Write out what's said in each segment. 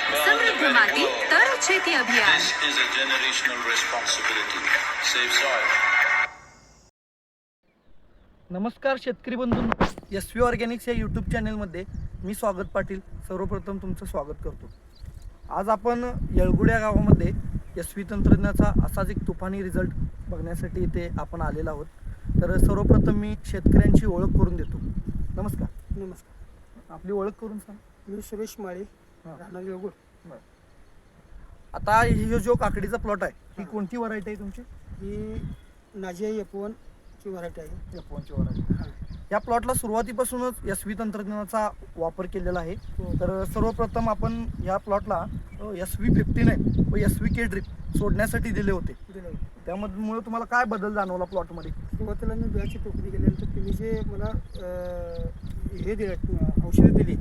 समृद्ध माती तर शेती अभियान. This is a generational responsibility. Save soil. नमस्कार शेतकरी बंधूंनो, SV ऑर्गॅनिक्स या यूट्यूब चॅनलमध्ये मी स्वागत पाटील सर्वप्रथम तुमचं स्वागत करतो. आज आपण येळगुड या गावामध्ये SV तंत्रज्ञानाचा असाच एक तुफानी रिझल्ट बघण्यासाठी इथे आपण आलेलो आहोत. तर सर्वप्रथम मी शेतकऱ्यांची ओळख करून देतो. नमस्कार. नमस्कार. आपली ओळख करून सांग. मी सुरेश माळी, राहणार येळगुड. आता ही जो काकडीचा प्लॉट आहे ही कोणती व्हरायटी आहे तुमची? ही नाझिया F1 ची व्हरायटी आहे. F1 ची व्हरायटी. या प्लॉटला सुरुवातीपासूनच SV तंत्रज्ञानाचा वापर केलेला आहे. तर सर्वप्रथम आपण या प्लॉटला SV59 व SVK ड्रिप सोडण्यासाठी दिले होते. त्यामुळे तुम्हाला काय बदल जाणवला प्लॉटमध्ये? सुरुवातीला मी बियाची टोकरी गेल्यानंतर तुम्ही जे मला हे दिलं औषधं दिली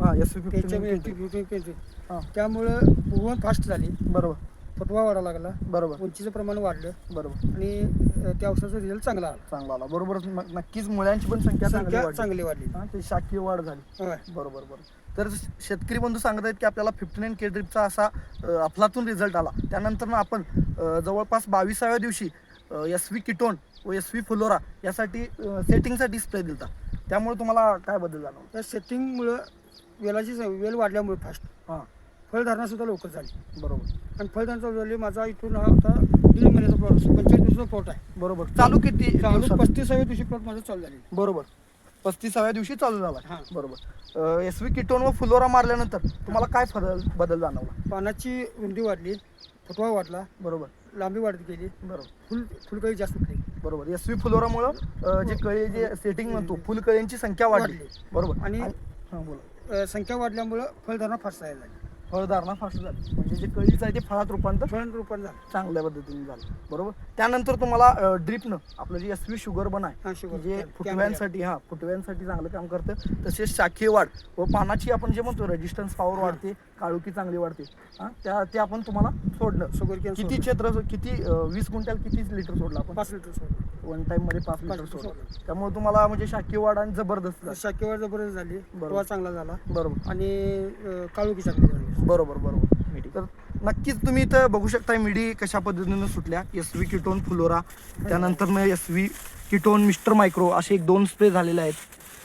SV59 त्यामुळं फुगवण फास्ट झाली. बरोबर. फुटवा वाढा लागला. बरोबर. उंचीचं प्रमाण वाढलं. बरोबर. आणि त्या औषधाचा रिझल्ट चांगला आला. बरोबर. नक्कीच मुळ्यांची पण संख्या चांगली वाढली. ते शाखीय वाढ झाली. बरोबर. तर शेतकरी बंधू सांगत आहेत की आपल्याला 59K ड्रिपचा असा अफलातून रिझल्ट आला. त्यानंतर आपण जवळपास 22व्या दिवशी SV किटोन व SV फ्लोरा यासाठी सेटिंगसाठी स्प्रे दिला. त्यामुळे तुम्हाला काय बदल जाणवला? त्या सेटिंगमुळं वेल वाढल्यामुळे फास्ट फळधारणा सुद्धा लवकर झाली. बरोबर. आणि फळधारणा झाली. माझा इथून हा आता 3 महिन्याचा प्लॉट 25 दिवसाचा प्लॉट आहे. बरोबर. चालू किती? 35व्या दिवशी प्लॉट माझा चालू झाली. बरोबर. 35व्या दिवशी चालू झाला. हां. बरोबर. SV किटोन व फ्लोरा मारल्यानंतर तुम्हाला काय बदल जाणवला? पानाची रुंदी वाढली, फुटवा वाढला. बरोबर. लांबी वाढत गेली. बरोबर. फुलकळी जास्त उठली. बरोबर. SV फ्लोरामुळं जे कळी जे सेटिंग म्हणतो फुलकळींची संख्या वाढली. बरोबर. आणि बोला. संख्या वाढल्यामुळं फळधारणा फास्ट झाली. फळधारणा फास्ट झाली. म्हणजे जे कळीचं आहे ते फळात रूपांतर झालं चांगल्या पद्धतीने झालं. बरोबर. त्यानंतर तुम्हाला ड्रिपनं आपलं जे SV शुगर बन आहे जे फुटव्यांसाठी चांगलं काम करतं. तसेच शाखीय वाढ व पानाची आपण जे म्हणतो रेजिस्टन्स पॉवर वाढते, काळुकी चांगली वाढते. ते आपण तुम्हाला सोडणं. किती क्षेत्र किती 20 क्विंटल किती लिटर सोडलं आपण? 5 लिटर सोडलं. वन टाइम मध्ये 5 लिटर सोडलं. त्यामुळे तुम्हाला म्हणजे शाखीय वाढ आणि जबरदस्त शाखीय वाढ जबरदस्त झाली. फुटवा चांगला झाला. बरोबर. आणि काळुकी चांगली झाली. बरोबर. तर नक्कीच तुम्ही इथं बघू शकता मिडी कशा पद्धतीनं सुटल्या. SV किटोन फ्लोरा, त्यानंतर SV किटोन मिस्टर मायक्रो असे 1-2 स्प्रे झालेले आहेत.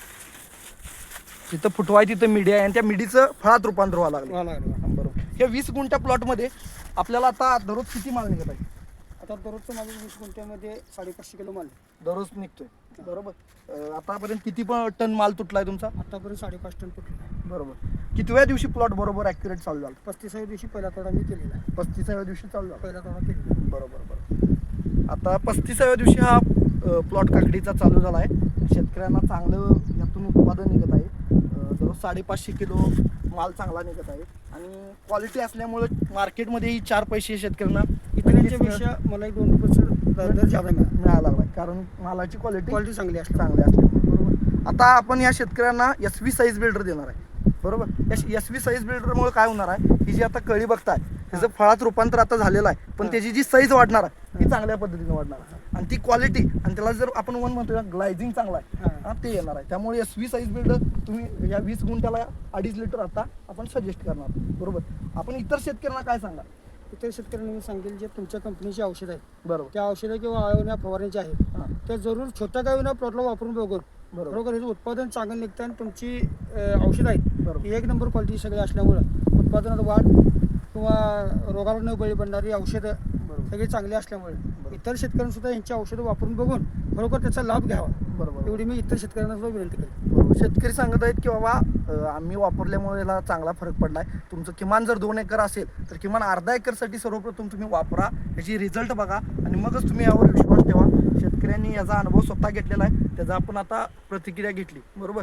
तिथं फुटवा आहे, तिथं मिडी आहे आणि त्या मिडीचं फळात रूपांतर व्हायला लागलं. बरोबर. हे 20 गुंठा प्लॉटमध्ये आपल्याला आता दररोज किती माल निघत आहे? आता दररोजचं माझं 20 गुंठ्यामध्ये 550 किलो माल दररोज निघतोय. बरोबर. आतापर्यंत किती टन माल तुटलाय तुमचा? आतापर्यंत 5.5 टन तुटला. बरोबर. कितव्या दिवशी प्लॉट बरोबर ॲक्युरेट चालू झाला? 35व्या दिवशी पहिला तोडा मी केलेला आहे. 35व्या दिवशी चालू झाला. पहिला तोडा केलेला. बरोबर. आता 35व्या दिवशी हा प्लॉट काकडीचा चालू झाला आहे. शेतकऱ्यांना चांगलं यातून उत्पादन निघत आहे. दररोज 550 किलो माल चांगला निघत आहे आणि क्वालिटी असल्यामुळे मार्केटमध्ये ही 4 पैसे शेतकऱ्यांना इतरांच्यापेक्षा मला 2 रुपये दर जादा मिळायला लागला कारण मालाची क्वालिटी चांगली असते. बरोबर. आता आपण या शेतकऱ्यांना SV साईज बिल्डर देणार आहे. बरोबर. या SV साईज बिल्डरमुळे काय होणार आहे, ही जी आता कळी बघताय त्याचं फळात रूपांतर आता झालेलं आहे, पण त्याची जी साईज वाढणार आहे ती चांगल्या पद्धतीने वाढणार आहे आणि ती क्वालिटी आणि त्याला जर आपण म्हणतो ग्लायझिंग चांगला आहे ते येणार आहे. त्यामुळे SV साईज बिल्डर तुम्ही या 20 गुंठ्याला 2.5 लिटर आता आपण सजेस्ट करणार. बरोबर. आपण इतर शेतकऱ्यांना काय सांगा? इतर शेतकऱ्यांना मी सांगेल जे तुमच्या कंपनीची औषध आहेत बरोबर त्या औषधं किंवा आळवण्या फवारण्याचे आहेत त्या जरूर छोट्या गावीना प्लॉटला वापरून बघून बरोबर हे उत्पादन चांगलं निघतं आणि तुमची औषधं आहेत 1 नंबर क्वालिटी सगळी असल्यामुळं उत्पादनात वाढ किंवा रोगाला न बळी पडणारी औषधं सगळी चांगली असल्यामुळे इतर शेतकऱ्यांना सुद्धा यांची औषधं वापरून बघून खरोखर त्याचा लाभ घ्यावा. बरोबर. एवढी मी इतर शेतकऱ्यांना सुद्धा विनंती करेन. शेतकरी सांगत आहेत की बाबा आम्ही वापरल्यामुळे याला चांगला फरक पडलाय. तुमचं किमान जर 2 एकर असेल तर किमान अर्धा एकरसाठी सर्वप्रथम तुम्ही वापरा, याची रिझल्ट बघा आणि मगच तुम्ही यावर विश्वास ठेवा. शेतकऱ्यांनी याचा अनुभव स्वतः घेतलेला आहे, त्याचा आपण आता प्रतिक्रिया घेतली. बरोबर.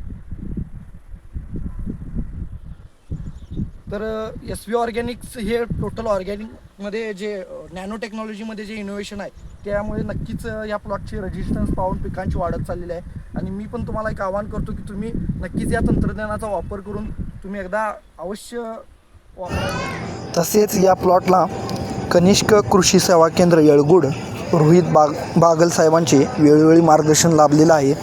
तर SV ऑर्गॅनिक्स हे टोटल ऑर्गॅनिकमध्ये जे नॅनो टेक्नॉलॉजीमध्ये जे इनोव्हेशन आहे त्यामुळे नक्कीच या प्लॉटची रेजिस्टन्स पाहून पिकांची वाढत चाललेली आहे आणि मी पण तुम्हाला एक आवाहन करतो की तुम्ही नक्कीच या तंत्रज्ञानाचा वापर करून तुम्ही एकदा अवश्य वापरा. तसेच या प्लॉटला कनिष्क कृषी सेवा केंद्र येळगुड रोहित बागल साहेबांचे वेळोवेळी मार्गदर्शन लाभलेलं आहे.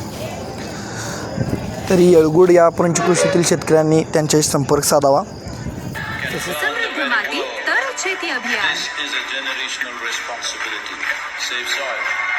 तरी येळगुड या पंचकृषीतील शेतकऱ्यांनी त्यांच्याशी संपर्क साधावा. समृद्ध माती तर शेती अभियान. This is a generational responsibility. Save soil.